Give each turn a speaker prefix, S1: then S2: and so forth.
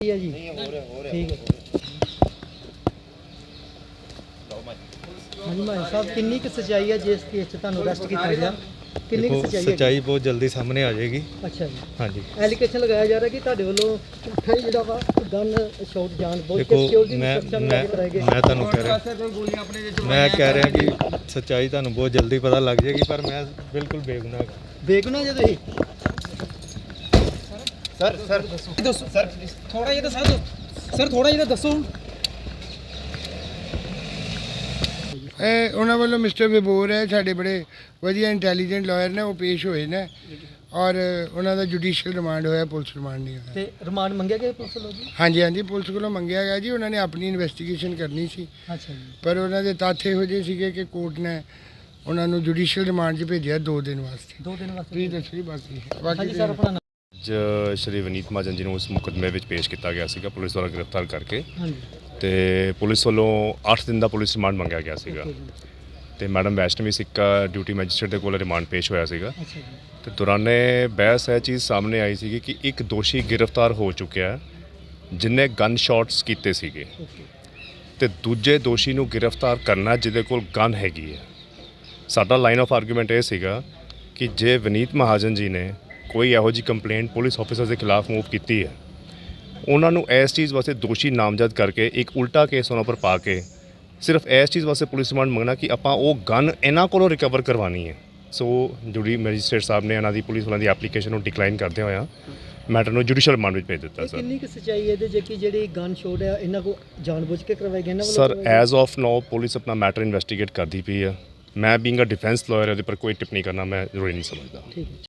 S1: है जी ठीक है। हाँ जी माही साहब किन्नी क सच्चाई है जिस केस च तुहानू अरेस्ट किया गया किन्नी क सच्चाई है?
S2: सच्चाई बहुत जल्दी सामने आ जाएगी।
S1: अच्छा जी
S2: हाँ जी
S1: एलिगेशन लगाया जा रहा है कि ਤੁਹਾਡੇ ਵੱਲੋਂ ਝੂਠਾ ਹੀ ਜਿਹੜਾ ਵਾ ਗਨ ਸ਼ਾਟ ਜਾਣ ਬੁੱਝ ਕੇ
S2: देखो
S1: ਸਿਕਿਉਰਿਟੀ
S2: मैं
S1: ਸੁਰੱਖਿਆ ਨੂੰ ਲੈ ਕੇ ਕਰਾਏ ਗਏ।
S2: मैं ਤੁਹਾਨੂੰ कह रहा कि सच्चाई ਤੁਹਾਨੂੰ बहुत जल्दी पता लग जाएगी पर मैं बिल्कुल बेगुनाह हाँ।
S1: ਬੇਗੁਨਾਹ ਜੇ ਤੁਸੀਂ
S3: ਦੱਸੋ ਸਰ ਥੋੜਾ ਜਿਹਾ ਦੱਸੋ ਸਰ ਥੋੜਾ ਜਿਹਾ ਦੱਸੋ।
S4: ਇਹ ਉਹਨਾਂ ਵੱਲੋਂ ਮਿਸਟਰ ਵਿਬੋਰ ਹੈ ਸਾਡੇ ਬੜੇ ਵਧੀਆ ਇੰਟੈਲੀਜੈਂਟ ਲਾਇਰ ਨੇ, ਉਹ ਪੇਸ਼ ਹੋਏ ਨੇ ਔਰ ਉਹਨਾਂ ਦਾ ਜੁਡੀਸ਼ੀਅਲ ਰਿਮਾਂਡ ਹੋਇਆ, ਪੁਲਿਸ ਰਿਮਾਂਡ ਨਹੀਂ ਹੋਇਆ।
S1: ਤੇ ਰਿਮਾਂਡ ਮੰਗਿਆ ਗਿਆ ਪੁਲਿਸ ਵੱਲੋਂ ਜੀ?
S4: ਹਾਂਜੀ ਹਾਂਜੀ ਪੁਲਿਸ ਕੋਲੋਂ ਮੰਗਿਆ ਗਿਆ ਜੀ, ਉਹਨਾਂ ਨੇ ਆਪਣੀ ਇਨਵੈਸਟੀਗੇਸ਼ਨ ਕਰਨੀ ਸੀ
S1: ਅੱਛਾ ਜੀ
S4: ਪਰ ਉਹਨਾਂ ਦੇ ਤੱਥ ਇਹੋ ਜਿਹੇ ਸੀਗੇ ਕਿ ਕੋਰਟ ਨੇ ਉਹਨਾਂ ਨੂੰ ਜੁਡੀਸ਼ੀਅਲ ਰਿਮਾਂਡ 'ਚ ਭੇਜਿਆ 2 ਦਿਨ ਵਾਸਤੇ।
S1: 2 ਦਿਨ ਵਾਸਤੇ
S4: ਵੀ ਦੱਸੀ ਬਾਕੀ
S1: ਹਾਂਜੀ ਸਰ ਆਪਣਾ ਨਾਮ।
S5: ਅੱਜ ਸ਼੍ਰੀ ਵਿਨੀਤ ਮਹਾਜਨ ਜੀ ਨੂੰ ਉਸ ਮੁਕੱਦਮੇ ਵਿੱਚ ਪੇਸ਼ ਕੀਤਾ ਗਿਆ ਸੀਗਾ ਪੁਲਿਸ ਦੁਆਰਾ ਗ੍ਰਿਫਤਾਰ ਕਰਕੇ
S1: ਹਾਂਜੀ
S5: ਤੇ ਪੁਲਿਸ ਵੱਲੋਂ 8 ਦਿਨ ਦਾ ਪੁਲਿਸ ਰਿਮਾਂਡ ਮੰਗਿਆ ਗਿਆ ਸੀਗਾ
S1: ਓਕੇ ਜੀ
S5: ਤੇ ਮੈਡਮ ਵੈਸ਼ਨਵੀ ਸਿੱਕਾ ਡਿਊਟੀ ਮੈਜਿਸਟਰੇਟ ਦੇ ਕੋਲ ਰਿਮਾਂਡ ਪੇਸ਼ ਹੋਇਆ ਸੀਗਾ
S1: ਅੱਛਾ ਜੀ
S5: ਤੇ ਦੌਰਾਨੇ ਬਹਿਸ ਇਹ ਚੀਜ਼ ਸਾਹਮਣੇ ਆਈ ਸੀਗੀ ਕਿ ਇੱਕ ਦੋਸ਼ੀ ਗ੍ਰਿਫਤਾਰ ਹੋ ਚੁੱਕਿਆ ਹੈ ਜਿਨੇ ਗਨ ਸ਼ਾਟਸ ਕੀਤੇ ਸੀਗੇ
S1: ਓਕੇ
S5: ਤੇ ਦੂਜੇ ਦੋਸ਼ੀ ਨੂੰ ਗ੍ਰਿਫਤਾਰ ਕਰਨਾ ਜਿਹਦੇ ਕੋਲ ਗਨ ਹੈਗੀ ਹੈ। ਸਾਡਾ ਲਾਈਨ ਆਫ ਆਰਗੂਮੈਂਟ ਇਹ ਸੀਗਾ ਕਿ ਜੇ ਵਿਨੀਤ ਮਹਾਜਨ ਜੀ ਨੇ ਕੋਈ ਇਹੋ ਜਿਹੀ ਕੰਪਲੇਂਟ ਪੁਲਿਸ ਆਫੀਸਰ ਦੇ ਖਿਲਾਫ ਮੂਵ ਕੀਤੀ ਹੈ, ਉਹਨਾਂ ਨੂੰ ਇਸ ਚੀਜ਼ ਵਾਸਤੇ ਦੋਸ਼ੀ ਨਾਮਜ਼ਦ ਕਰਕੇ ਇੱਕ ਉਲਟਾ ਕੇਸ ਉਹਨਾਂ ਪਰ ਪਾ ਕੇ ਸਿਰਫ ਇਸ ਚੀਜ਼ ਵਾਸਤੇ ਪੁਲਿਸ ਰਿਮਾਂਡ ਮੰਗਣਾ ਕਿ ਆਪਾਂ ਉਹ ਗਨ ਇਹਨਾਂ ਕੋਲੋਂ ਰਿਕਵਰ ਕਰਵਾਉਣੀ ਹੈ। ਸੋ ਜੁਡੀ ਮੈਜਿਸਟਰੇਟ ਸਾਹਿਬ ਨੇ ਇਹਨਾਂ ਦੀ ਪੁਲਿਸ ਵਾਲਿਆਂ ਦੀ ਐਪਲੀਕੇਸ਼ਨ ਨੂੰ ਡਿਕਲਾਈਨ ਕਰਦੇ ਹੋਇਆ ਮੈਟਰ ਨੂੰ ਜੁਡੀਸ਼ੀਅਲ ਰਿਮਾਂਡ ਵਿੱਚ ਭੇਜ ਦਿੱਤਾ
S1: ਇਹ
S5: ਸਰ।
S1: ਕਿੰਨੀ ਕੁ ਸੱਚਾਈ ਹੈ ਇਹਦੇ ਜੇ ਕਿ ਜਿਹੜੀ ਗਨ ਸ਼ਾਟ ਹੈ ਇਹਨਾਂ ਕੋ ਜਾਣਬੁੱਝ ਕੇ ਕਰਵਾਏ ਗਏ ਇਹਨਾਂ ਵੱਲੋਂ
S5: ਸਰ
S1: ਕਰਵਾਏ ਗਏ?
S5: ਐਜ਼ ਆਫ ਨਾਓ ਪੁਲਿਸ ਆਪਣਾ ਮੈਟਰ ਇਨਵੈਸਟੀਗੇਟ ਕਰਦੀ ਪਈ ਹੈ। ਮੈਂ ਬੀਇੰਗ ਅ ਡਿਫੈਂਸ ਲਾਇਰ ਇਹਦੇ ਪਰ ਕੋਈ ਟਿੱਪਣੀ ਕਰਨਾ ਮੈਂ ਜ਼ਰੂਰੀ ਨਹੀਂ ਸਮਝਦਾ।
S1: ਠੀਕ ਹੈ।